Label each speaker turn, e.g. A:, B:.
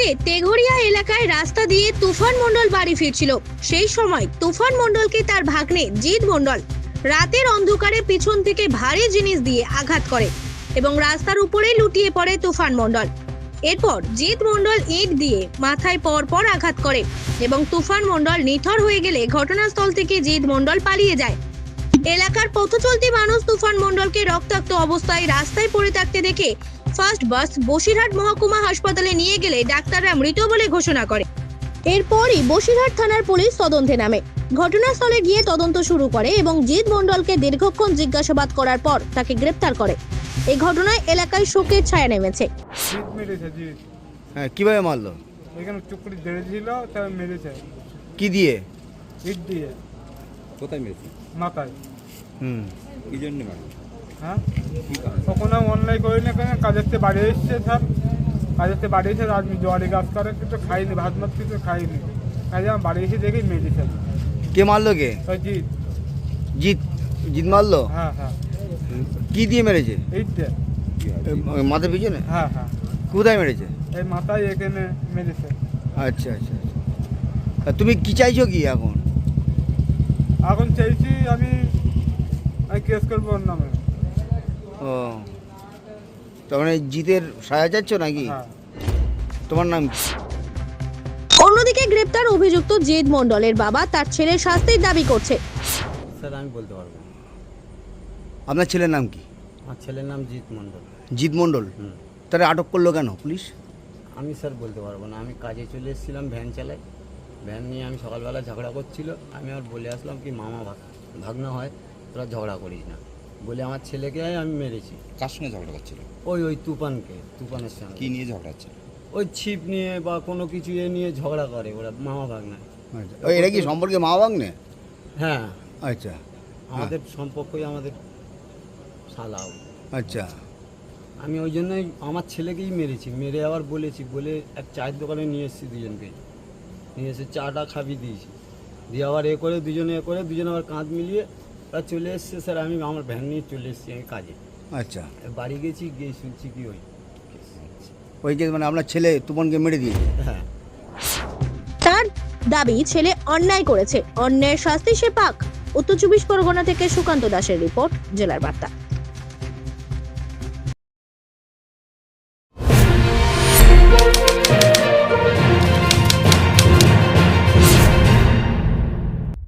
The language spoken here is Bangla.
A: রাতে তেঘরিয়া এলাকায় রাস্তা দিয়ে তুফান মণ্ডল বাড়ি ফিরছিল। সেই সময় তুফান মণ্ডলকে তার ভাগ্নে জিৎ মণ্ডল রাতের অন্ধকারে পিছন থেকে ভারী জিনিস দিয়ে আঘাত করে এবং রাস্তার উপরে লুটিয়ে পড়ে তুফান মণ্ডল। এরপর জিৎ মণ্ডল ইট দিয়ে মাথায় পর আঘাত করে এবং তুফান মণ্ডল নিথর হয়ে গেলে ঘটনাস্থল থেকে জিৎ মণ্ডল পালিয়ে যায়। এলাকার পথচলতি মানুষ তুফান মণ্ডলকে রক্তাক্ত অবস্থায় রাস্তায় পড়ে থাকতে দেখে ফার্স্ট বাস বসিরহাট মহকুমা হাসপাতালে নিয়ে গেলে ডাক্তাররা মৃত বলে ঘোষণা করে। এরপরই বসিরহাট থানার পুলিশ তদন্তে নামে। ঘটনাস্থলে গিয়ে তদন্ত শুরু করে এবং জিৎ মণ্ডলকে দীর্ঘক্ষণ জিজ্ঞাসাবাদ করার পর তাকে গ্রেপ্তার করে। এই ঘটনায় এলাকায় শোকের ছায়া নেমেছে।
B: হ্যাঁ, কিভাবে মারলো?
C: এখানে চুকড়ি ধরেছিল, তাই মেরেছে।
B: কি দিয়ে?
C: ইট দিয়ে।
D: কোথায় মেরেছে?
C: মাথায়।
D: কি জন্য মারলো?
C: হ্যাঁ, কখনো অনলাইন করি না, কেন কাজের থেকে বাড়ি এসছে স্যার, কাজের থেকে বাড়ি এসে আজ জোয়ারি গাছ করে কিছু খাইনি, ভাত মাছ কিছু খাইনি, কাজে আমার বাড়ি এসে দেখি মেরেছে।
B: কে মারলো? কে?
C: জিৎ।
B: জিৎ জিৎ মারলো?
C: হ্যাঁ হ্যাঁ।
B: কি দিয়ে মেরেছে?
C: ইট দিয়ে।
B: মাথার পিছনে?
C: হ্যাঁ হ্যাঁ।
B: কোথায় মেরেছে?
C: এই মাথায় এখানে মেরেছে।
B: আচ্ছা আচ্ছা। তুমি কি চাইছো কি এখন?
C: এখন চাইছি আমি কেস করবো ওর নামে।
B: ও, তার মানে জিতের সাজা চাচ্ছ নাকি?
C: হ্যাঁ।
B: তোমার নাম কি?
A: অন্যদিকে গ্রেপ্তার অভিযুক্ত জিৎ মণ্ডলের বাবা তার ছেলের শাস্তির দাবি করছে।
D: স্যার আমি বলতে পারবো না।
B: আপনার ছেলের নাম কি?
D: আমার ছেলের নাম জিৎ মণ্ডল।
B: জিৎ মণ্ডল? তারা আটক করলো কেন পুলিশ?
D: আমি স্যার বলতে পারবো না। আমি কাজে চলে এসেছিলাম, ভ্যান চালাই, ভ্যান নিয়ে আমি সকালবেলা ঝগড়া করছিল। আমি আর বলে আসলাম কি মামা ভাগনা হয়, তোরা ঝগড়া করিস না বলে আমার ছেলেকে আমি মেরেছি।
E: কার সঙ্গে ঝগড়া করছিল?
D: ওই তুফানের সঙ্গে।
E: কি নিয়ে ঝগড়া হচ্ছিল?
D: ওই ছিপ নিয়ে বা কোনো কিছু নিয়ে ঝগড়া করে ওরা, মামা ভাগনা।
B: আচ্ছা, এটা কি সম্পর্কে মা বাগনে?
D: হ্যাঁ,
B: আচ্ছা,
D: আমাদের সম্পর্কই আমাদের শালাও।
B: আচ্ছা।
D: আমি ওই জন্যই আমার ছেলেকেই মেরেছি, মেরে আবার বলেছি, বলে এক চায়ের দোকানে নিয়ে এসেছি, দুজনকে নিয়ে এসে চাটা খাবি দিয়েছি, দিয়ে আবার দুজনে আবার কাঁধ মিলিয়ে ওরা চলে এসছে। স্যার আমি আমার ভ্যান নিয়ে চলে এসেছি আমি কাজে।
B: আচ্ছা,
D: বাড়ি গিয়ে শুনছি কি
B: ওই যে মানে আপনার ছেলে তুপনকে মেরে দিয়েছে?
D: হ্যাঁ।
A: তার দাবি ছেলে অন্যায় করেছে, অন্যায়ের শাস্তি সে পাক। উত্তর 24 পরগনা থেকে সুকান্ত দাসের রিপোর্ট, জেলার বার্তা।